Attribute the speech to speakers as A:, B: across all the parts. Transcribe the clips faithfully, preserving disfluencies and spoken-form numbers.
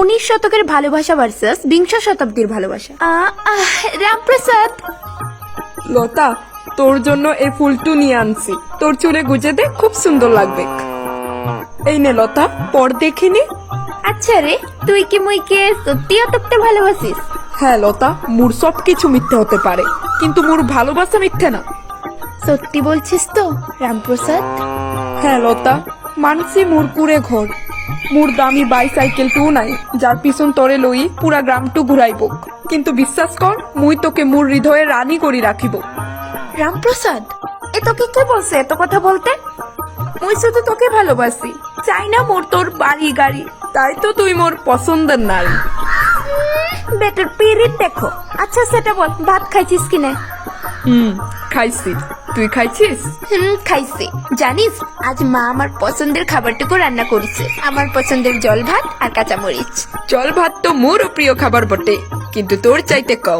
A: উনিশ শতকের ভালোবাসা ভার্সাস বিংশ শতাব্দীর ভালোবাসা। আহ, আহ, রামপ্রসাদ,
B: লতা, তোর জন্য এই ফুলটু নিয়ে আনছি। তোর চুলে গুজে দে, খুব সুন্দর লাগবে। এই নে লতা, পর দেখে নে।
A: আচ্ছা রে, তুই কি মুইকে সত্যি অতপ্তে ভালোবাসিস?
B: হ্যাঁ লতা, মোর সব কিছু মিথ্যে হতে পারে, কিন্তু মোর ভালোবাসা মিথ্যে না।
A: সত্যি বলছিস তো রামপ্রসাদ?
B: হ্যাঁ লতা, মানছি মোর কুড়ে ঘর, মোর দামি বাইসাইকেল টু নাই যার পিছন তরে লই পুরা গ্রামটু ঘুরাইব, কিন্তু বিশ্বাস কর মুই তোকে মোর হৃদয়ে রানী করি রাখিব।
A: রামপ্রসাদ, এ তোকে কে বলছে এত কথা বলতে?
B: মুই শুধু তোকে ভালোবাসি, চাই না মোর তোর বাড়ি গাড়ি, তাই তো তুই মোর পছন্দের নারী।
A: বেটার পিরিত দেখো। আচ্ছা সেটা বল, ভাত খাইছিস কিনা?
B: হুম, খাইছি। তুই খাইছিস?
A: হুম, খাইছি। জানিস আজ মা আমার পছন্দের খাবারটুকু রান্না করেছে, আমার পছন্দের জল ভাত আর কাঁচামরিচ।
B: জল ভাত তো মোরও প্রিয় খাবার বটে, কিন্তু তোর চাইতে কম।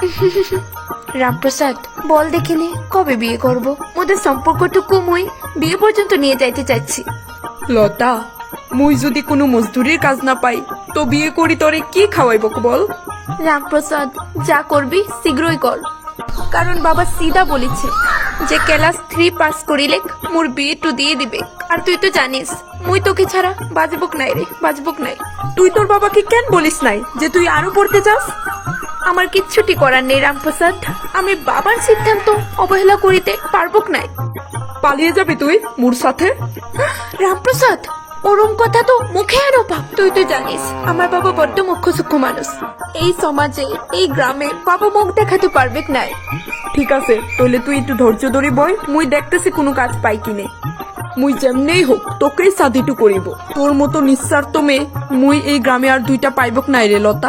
A: রামপ্রসাদ, বল দেখিনি কবে বিয়ে করব? ওদের সম্পর্কটুকু মুই বিয়ে পর্যন্ত নিয়ে যাইতে চাইছি।
B: লতা, মুই যদি কোনো মজদুরির কাজ না পাই তো বিয়ে করি তোরে কি খাওয়াইব বল?
A: রামপ্রসাদ, যা করবি শীঘ্রই কর, কারণ বাবা সিধা বলেছে যে ক্লাস থ্রি পাস করিলে মোর বিয়ে টু দিয়ে দিবে। আর তুই তো জানিস মুই তোকে ছাড়া বাজবুক নাই রে, বাজবুক নাই।
B: তুই তোর বাবাকে কেন বলিস নাই যে তুই আরো পড়তে চাস?
A: আমার কিচ্ছুটি করার নেই রামপ্রসাদ, আমি বাবার সিদ্ধান্ত অবহেলা করিতে পারবুক নাই।
B: পালিয়ে যাবি তুই মোর সাথে?
A: রামপ্রসাদ, ওরম কথা তো মুখে আরো পাপ। তুই তো জানিস আমার বাবা বড্ড মুখ্য সূক্ষ্ম মানুষ, এই সমাজে এই গ্রামে বাবা মুখ দেখাতে পারবে নাই।
B: ঠিক আছে, তাহলে তুই একটু ধৈর্য ধরি বই, মুই দেখতেছি কোনো কাজ পাই কিনে। মুই যেমনেই হোক তোকেই সাধিটু করিব। তোর মতো নিঃস্বার্থ মেয়ে মুই এই গ্রামে আর দুইটা পাইবক নাই রে Lata.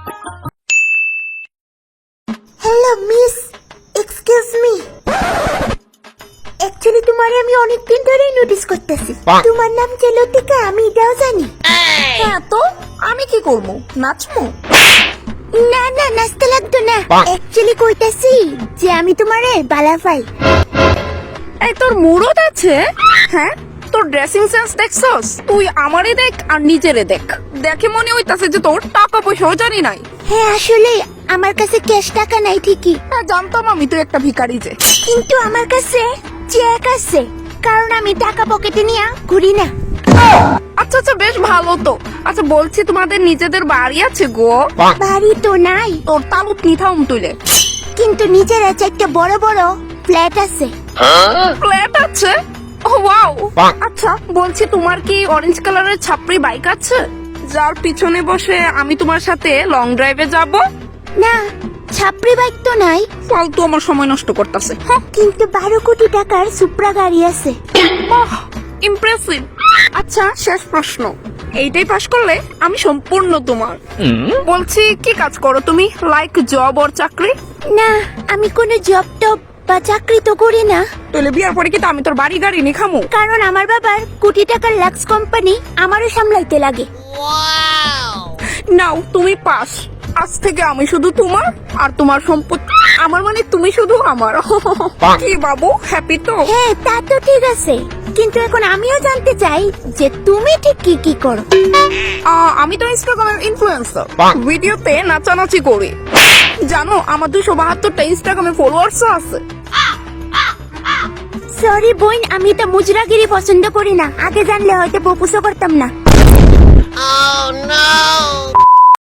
A: Hello miss, excuse me. Actually তোমারে আমি অনেকদিন ধরেই নোটিস করতেছি। তোমার নাম যে লতিকা, আমি এটাও জানি।
B: হ্যাঁ, তো আমি কি করবো? নাচবো?
A: না না, নাচতে লাগতো না। অ্যাকচুয়ালি কইতাছি যে আমি তোমারে বালাফাই।
B: এই তোর মুরত আছে? হ্যাঁ, তোর ড্রেসিং সেন্স দেখছস? তুই আমারে দেখ আর নিজেরে দেখ, দেখে মনে হইতাছে যে তোর টাকা পয়সাও জানি নাই।
A: হ্যাঁ আসলে আমার কাছে ক্যাশ টাকা নাই ঠিকই,
B: হ্যাঁ, জানতাম আমি তুই একটা ভিখারি যে।
A: কিন্তু আমার কাছে চেক আছে, কারণ আমি টাকা পকেটে নিয়ে ঘুরি না।
B: আচ্ছা আচ্ছা, বেশ ভালো তো। আচ্ছা বলছি, তোমাদের নিজেদের বাড়ি আছে গো?
A: বাড়ি তো নাই,
B: তোর তালুক নিথাম তুলে।
A: কিন্তু নিজের আছে একটা বড় বড় ফ্ল্যাট আছে।
B: ফ্ল্যাট আছে? Oh wow. আচ্ছা বলছি, তোমার কি অরেঞ্জ কালারের ছাপরি বাইক আছে যার পিছনে বসে আমি তোমার সাথে লং ড্রাইভে যাব?
A: না, ছাপরি বাইক তো নাই,
B: ফালতু আমার সময় নষ্ট করতেছে।
A: কিন্তু বারো কোটি টাকার সুপ্রা গাড়ি আছে।
B: বাহ, ইমপ্রেসিভ। আচ্ছা শেষ প্রশ্ন, এইটাই পাস করলে আমি সম্পূর্ণ তোমার। বলছি, কি কাজ করো তুমি? লাইক জব ওর চাকরি?
A: না, আমি কোনো জব টব বা চাকরি তো করি না,
B: তাহলে বিয়ার পরে কি তো আমি তোর বাড়ি গাড়ি নি খামু?
A: কারণ আমার বাবার কোটি টাকার লাক্স কোম্পানি আমারও সামলাইতে লাগে।
B: নাও তুমি পাস। আজ থেকে আমি শুধু তোমার, আর তোমার সম্পত্তি আমার, মানে তুমি শুধু আমার। কি বাবু, হ্যাপি তো?
A: হ্যাঁ তা তো ঠিক আছে, কিন্তু এখন আমিও জানতে চাই যে তুমি ঠিক কি কি করো।
B: আহ, আমি তো ইনস্টাগ্রামের ইনফ্লুয়েন্সার, ভিডিওতে নাচানাচি করি। জানো আমার দুশো বাহাত্তরটা ইনস্টাগ্রামে ফলোয়ার্স আছে।
A: সরি বোন, আমি এটা মুজরাগিরি পছন্দ করি না, আগে জানলে হয়তো প্রপোজও করতাম না।
C: Oh no!